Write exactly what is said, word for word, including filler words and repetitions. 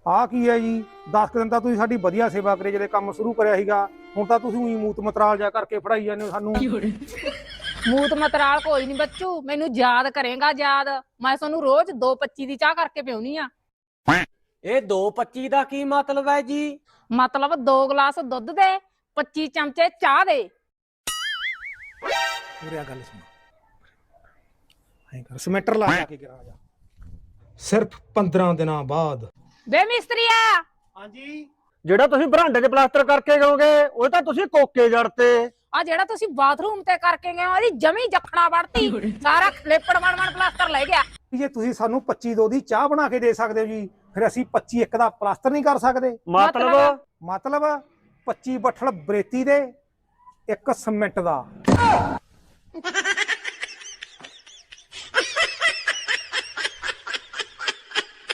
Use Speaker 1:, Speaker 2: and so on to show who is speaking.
Speaker 1: ਆ ਕੀ ਹੈ ਜੀ? ਦਸ ਦਿਨ ਤਾਂ ਤੁਸੀਂ ਸਾਡੀ ਵਧੀਆ ਸੇਵਾ ਕਰੇ ਜਿਹੜੇ ਕੰਮ ਸ਼ੁਰੂ ਕਰਿਆ ਸੀਗਾ, ਹੁਣ ਤਾਂ ਤੁਸੀਂ ਉਹੀ ਮੂਤ ਮਤਰਾਲ ਜਾ ਕਰਕੇ ਫੜਾਈ ਜਾਂਦੇ ਹੋ ਸਾਨੂੰ।
Speaker 2: ਮੂਤ ਮਤਰਾਲ ਕੋਈ ਨਹੀਂ ਬੱਚੂ, ਮੈਨੂੰ ਯਾਦ ਕਰੇਗਾ ਯਾਦ। ਮੈਂ ਤੁਹਾਨੂੰ ਰੋਜ਼ ਦੋ ਪੱਚੀ ਦੀ ਚਾਹ ਕਰਕੇ ਪਿਉਣੀ ਆ।
Speaker 3: ਇਹ ਦੋ ਪੱਚੀ ਦਾ ਕੀ ਮਤਲਬ ਹੈ ਜੀ?
Speaker 2: ਮਤਲਬ ਦੋ ਗਲਾਸ ਦੁੱਧ ਦੇ ਪੱਚੀ ਚਮਚੇ ਚਾਹ ਦੇ।
Speaker 1: ਪੂਰੀ ਗੱਲ ਸੁਣ, ਐਂ ਕਰ ਸਮੈਟਰ ਲਾ ਕੇ ਗਿਰਾ ਜਾ। ਸਿਰਫ ਪੰਦਰਾਂ ਦਿਨਾਂ ਬਾਅਦ।
Speaker 2: ਬੇ ਮਿਸਤਰੀਆ,
Speaker 1: ਹਾਂਜੀ।
Speaker 3: ਜਿਹੜਾ ਤੁਸੀਂ ਬਰਾਂਡੇ 'ਚ ਪਲਾਸਟਰ ਕਰਕੇ ਗਓਗੇ ਉਹ ਤਾਂ ਤੁਸੀਂ ਕੋਕੇ ਜੜਤੇ।
Speaker 2: ਆ ਜਿਹੜਾ ਤੁਸੀਂ ਬਾਥਰੂਮ ਤੇ ਕਰਕੇ ਗਏ ਉਹਦੀ ਜਮੀ ਜਖਣਾ ਵੜਤੀ, ਸਾਰਾ ਖਲੇਪੜ ਬਣ ਬਣ ਪਲਾਸਟਰ ਲੈ ਗਿਆ।
Speaker 1: ਜੇ ਤੁਸੀਂ ਸਾਨੂੰ ਪੱਚੀ ਦੋ ਦੀ ਚਾਹ ਬਣਾ ਕੇ ਦੇ ਸਕਦੇ ਹੋ ਜੀ, ਫਿਰ ਅਸੀਂ ਪੱਚੀ ਇੱਕ ਦਾ ਪਲਾਸਟਰ ਨਹੀਂ ਕਰ ਸਕਦੇ।
Speaker 3: ਮਤਲਬ
Speaker 1: ਮਤਲਬ ਪੱਚੀ ਬੱਠਲ ਬਰੇਤੀ ਦੇ, ਇੱਕ ਸੀਮੈਂਟ ਦਾ।